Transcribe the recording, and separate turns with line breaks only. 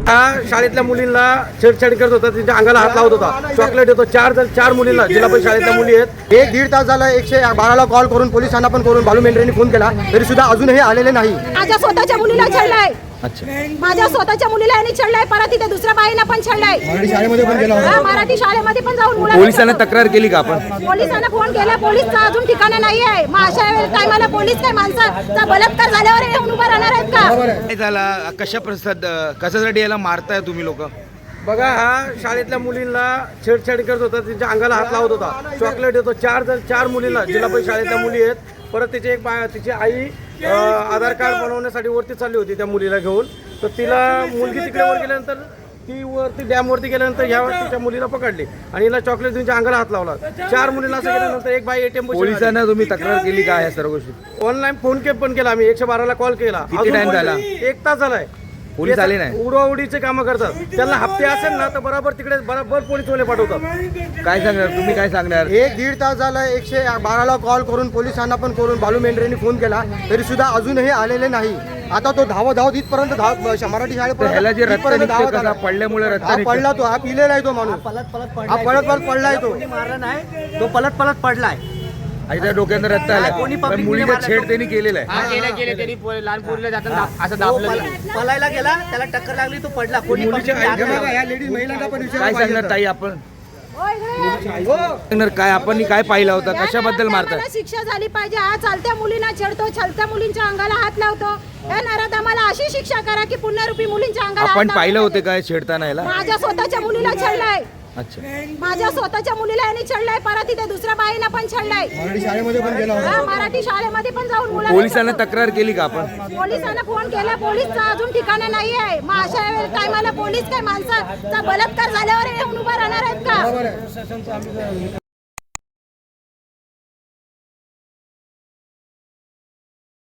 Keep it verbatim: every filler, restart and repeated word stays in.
हा शाळेतल्या मुलींना छेडछाड करत होता, त्यांच्या अंगाला हात लावत होता, चॉकलेट देतो. चार जण चार मुलींना जिल्हा परिषद शाळेतल्या मुली आहेत.
एक दीड तास झाला एकशे बाराला कॉल करून पोलिसांना पण करून बालू मेंढरेंनी फोन केला तरी सुद्धा अजूनही आलेले नाही.
माझ्या स्वतःच्या मुलीला छळलाय.
अच्छा,
माझ्या स्वतःच्या मुलीला यांनी छळलाय, परत तिथे दुसऱ्या बाईला पण छळलाय.
मराठी शाळेमध्ये पण गेला होता.
हा, मराठी शाळेमध्ये पण जाऊन मुलांना
पोलिसांना तक्रार केली का आपण?
पोलिसांना फोन केला, पोलीसचा अजून ठिकाणा नाही आहे. मग अशा टायमाला पोलीस काय माणसाचा बलात्कार झाल्यावर येऊन उभा राहणार आहेत का?
काय झाला, कशा प्रसाद कशासाठी याला मारताय तुम्ही लोक? बघा, हा शाळेतल्या मुलींना छेडछाड करत होता, त्यांच्या अंगाला हात लावत होता, चॉकलेट देतो. चार जण चार मुलींना जिल्हा परिषद शाळेतल्या मुली आहेत. परत तिची एक बा तिची आई अ, आधार कार्ड बनवण्यासाठी वरती चालली होती त्या मुलीला घेऊन. तर तिला मुलगी तिकडे वर गेल्यानंतर ती वरती डॅमवरती गेल्यानंतर ह्या तिच्या मुलीला पकडली आणि हिला चॉकलेट त्यांच्या अंगाला हात लावला. चार मुलींना असं केल्यानंतर एक बाई एटीएम
पोलिसांना तुम्ही तक्रार केली का या सर्व गोष्टी?
ऑनलाईन फोन के पण केला आम्ही, एकशे बाराला कॉल केला.
किती
अजून
time
पण
झाला?
एक तास झालाय.
पोलीस आले नाही?
उडवाउडीचे कामं करतात. त्यांना हप्ते असेल ना तर बरोबर तिकडे बरोबर पोलीस वाले पाठवतात.
काय सांगणार तुम्ही, काय सांगणार?
एक दीड तास झाला एकशे बाराला कॉल करून पोलिसांना पण करून बालू मेंढरेंनी फोन केला तरी सुद्धा अजूनही आलेले नाही. आता तो धाव धाव इथपर्यंत धाव मराठी
तर ह्याला जे रक्त
शाळेपर्यंत
निघते
धावत
कसा
आला.
पडल्यामुळे रक्त
हा
निघते.
पडला तो, हा पिलेला आहे तो माणूस, हा पळत पळत पडलाय तो.
मारला नाही, तो पलट पलट पडलाय.
आणि त्या डोक्यात रक्त आलं.
कोणी
पण
public
मुलीचा
ने
छेड त्यांनी केलेला आहे.
हा केले केले त्यांनी पो- लहान पोरीला जाताना असं
तो
दाबलं.
पल- पलायला गेला, त्याला टक्कर लागली, तो पडला. कोणी
मुलीच्या
public ने
आई-
हात
बघा, या लेडीज महिलांना पण
काय
विचारायला
सांगणार
पाहिजे
ताई आपण?
होय गं.
सांगणार काय आपण काय पाहिलं होतं,
या
कशाबद्दल
नराधमाला
मारताय?
शिक्षा झाली पाहिजे. हा चालत्या मुलींना छेडतो, चालत्या मुलींच्या अंगाला हात लावतो. या नराधमाला अशी शिक्षा करा की पुनरुपी मुलींच्या अंगाला हात
आपण
लावणार
पाहिलं होते
नाही.
काय छेडताना याला?
माझ्या स्वतःच्या मुलीला छळलाय.
अच्छा,
माझ्या स्वतःच्या मुलीला यांनी छळलाय, परत तिथे दुसऱ्या बाईला पण छळलाय.
मराठी शाळेमध्ये पण गेला होता.
हा, मराठी शाळेमध्ये पण जाऊन मुलांना
पोलिसांना तक्रार केली का आपण?
पोलिसांना फोन केला, पोलीसचा अजून ठिकाणा नाही आहे. मग अशा टायमाला पोलीस काय माणसाचा बलात्कार झाल्यावर येऊन उभा राहणार आहेत का?